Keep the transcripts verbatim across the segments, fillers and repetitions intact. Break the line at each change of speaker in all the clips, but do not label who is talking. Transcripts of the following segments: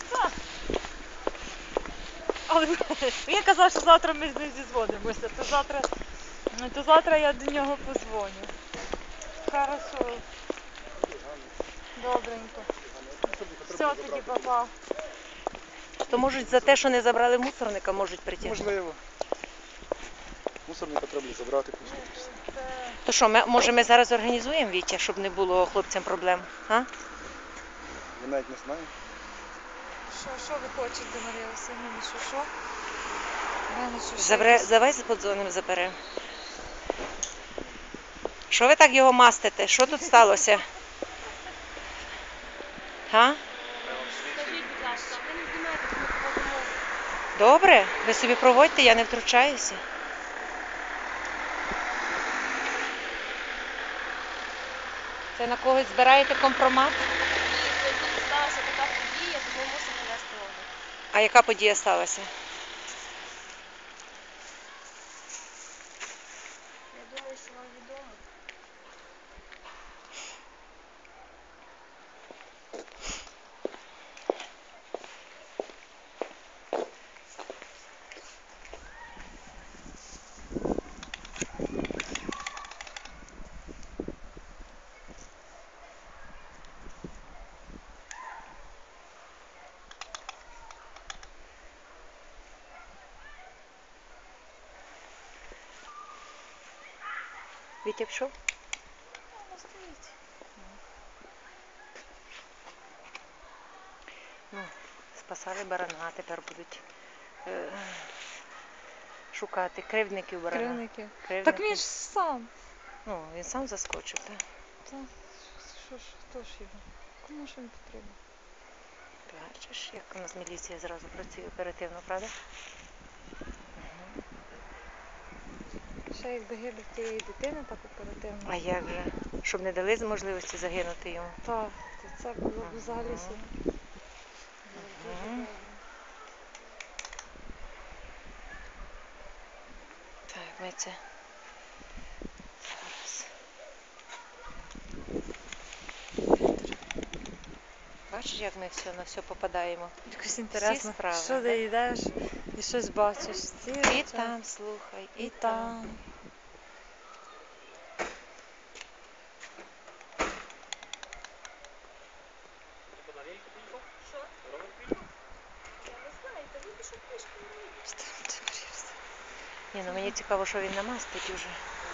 Так. Але він казав, що завтра ми з ним зізвонимося, то завтра, то завтра я до нього позвоню. Хорошо. Добренько. Все, тоді, папа.
То можуть за те, що не забрали мусорника, можуть притягнути.
Можливо. Мусорника треба забрати.
То що, ми, може ми зараз організуємо, Вітя, щоб не було хлопцям проблем? А?
Я навіть не знаю.
Що, що ви хочете, Марія Васильівна, що, що? В мене що, ще
Забере,
якісь-
давай подзвонимо, заберемо. Що ви так його мастите? Що тут сталося? А?
Скажіть, будь ласка, ви не знімаєте, коли проводимо.
Добре, ви собі проводьте, я не втручаюся. Це на когось збираєте компромат?
І тут сталася така подія, тому мусимо провести огляд.
А яка подія сталася?
Я думаю, що вам відомо.
Вітя пішов?
Вона стоїть.
Ну, спасали барана, а тепер будуть е, шукати кривдників барана.
Кривники.
Кривдники.
Так він ж сам.
Ну, він сам заскочив, так?
Та, що ж, хто ж його? Кому ж він потрібен?
Бачиш, як у нас міліція зразу працює оперативно, правда?
Ще якби гибель тієї дитини так оперативно.
А як же? Щоб не дали можливості загинути йому.
Так, то це було б взагалі
Ага.
супер. Було б дуже
Ага.
добре.
Так, ми це зараз. Бачиш, як ми все на все попадаємо?
Якось інтересно,
справи,
що
так?
ти йдеш і щось бачиш. Ці
І
речі,
там, слухай, і,
і
там.
там.
Що? Я не знаю, та ви пішов пішки.
Ні, ну мені цікаво, що він намастить уже.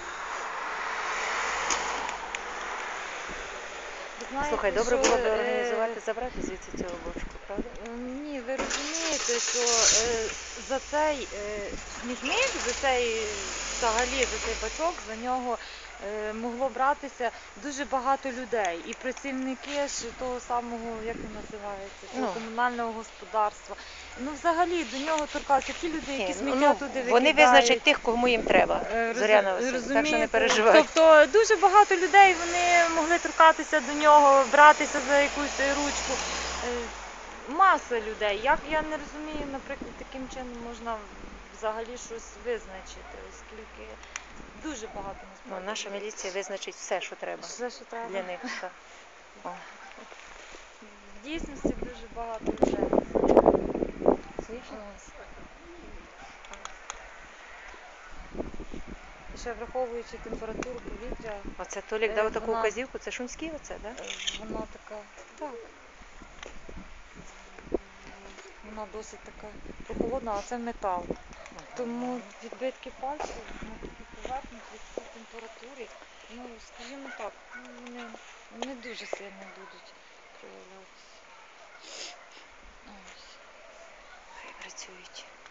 Ви знаєте,
Слухай, добре
що,
було б
е,
організувати, забрати звідси цього бочку, правда?
Ні, ви розумієте, що е, за цей е, смітник, за цей взагалі за цей бачок, за нього е, могло братися дуже багато людей. І працівники ж того самого, як він називається, того
Ну.
комунального господарства. Ну взагалі до нього торкаються ті люди, які
Ні,
сміття
ну,
туди
вони
викидають.
визначать тих, кому їм треба,
Е, роз-
Зоряна Васильівна, так що не
розумієте?
переживай.
Тобто дуже багато людей вони могли торкатися до нього, братися за якусь ручку. Е, Маса людей. Як я не розумію, наприклад, таким чином можна взагалі щось визначити, оскільки дуже багато
Ну,
насправді.
наша
людей.
міліція визначить все, що треба
Все, що треба.
для них. Так. О.
В дійсності дуже багато людей. Ось. І ще враховуючи температуру повітря,
Оце Толік
Е,
дав таку
вона-
вказівку, це Шумський оце, так?
е, вона така, так. Вона досить така прохолодна, а це метал. Тому відбитки пальців на такій поверхні при цій температурі, ну, скажімо так, ну, вони не дуже сильно будуть проявлятися. Ось.
Хай працюють.